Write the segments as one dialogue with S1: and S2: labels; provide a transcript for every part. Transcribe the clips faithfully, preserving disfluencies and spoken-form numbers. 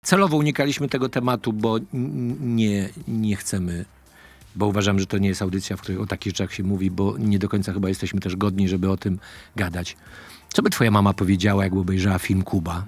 S1: Celowo unikaliśmy tego tematu, bo nie, nie chcemy, bo uważam, że to nie jest audycja, w której o takich rzeczach się mówi, bo nie do końca chyba jesteśmy też godni, żeby o tym gadać. Co by twoja mama powiedziała, jakby obejrzała film Kuba?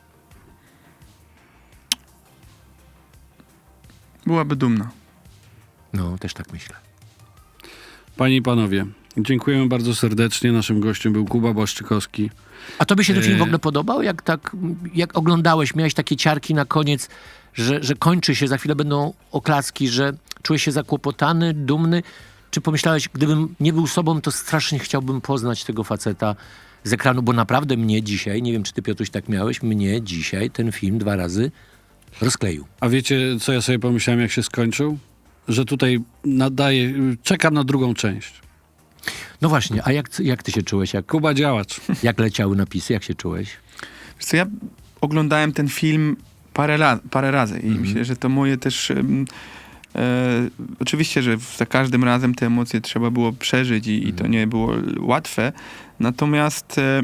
S2: Byłaby dumna.
S1: No, też tak myślę.
S3: Panie i panowie, dziękujemy bardzo serdecznie. Naszym gościem był Kuba Błaszczykowski.
S1: A tobie się ten film w
S3: E,
S1: ogóle podobał? Jak tak, jak oglądałeś, miałeś takie ciarki na koniec, że, że kończy się, za chwilę będą oklaski, że czułeś się zakłopotany, dumny? Czy pomyślałeś, gdybym nie był sobą, to strasznie chciałbym poznać tego faceta z ekranu, bo naprawdę mnie dzisiaj, nie wiem, czy ty, Piotruś, tak miałeś, mnie dzisiaj ten film dwa razy rozkleił.
S3: A wiecie, co ja sobie pomyślałem, jak się skończył? Że tutaj nadaje, czekam na drugą część.
S1: No właśnie, a jak, jak ty się czułeś? Jak,
S3: Kuba działacz.
S1: jak leciały napisy? Jak się czułeś?
S2: Wiesz co, ja oglądałem ten film parę, la- parę razy i
S1: Mhm.
S2: myślę, że to moje też... em, E, oczywiście, że za każdym razem te emocje trzeba było przeżyć i, i to nie było łatwe. Natomiast e,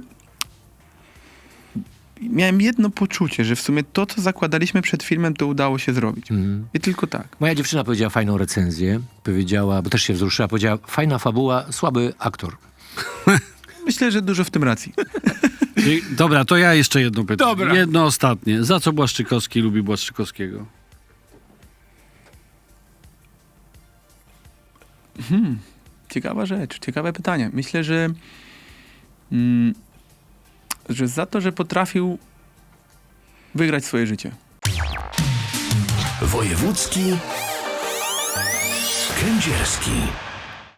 S2: miałem jedno poczucie, że w sumie to, co zakładaliśmy przed filmem, to udało się zrobić.
S1: Mhm.
S2: I tylko tak.
S1: Moja dziewczyna powiedziała fajną recenzję. Powiedziała, bo też się wzruszyła, powiedziała, fajna fabuła, słaby aktor.
S2: Myślę, że dużo w tym racji.
S3: I, dobra, to ja jeszcze jedno pytanie.
S1: Dobra.
S3: Jedno ostatnie. Za co Błaszczykowski lubi Błaszczykowskiego?
S2: Hmm. Ciekawa rzecz, ciekawe pytanie. Myślę, że, mm, że za to, że potrafił wygrać swoje życie.
S4: Wojewódzki Kędzierski.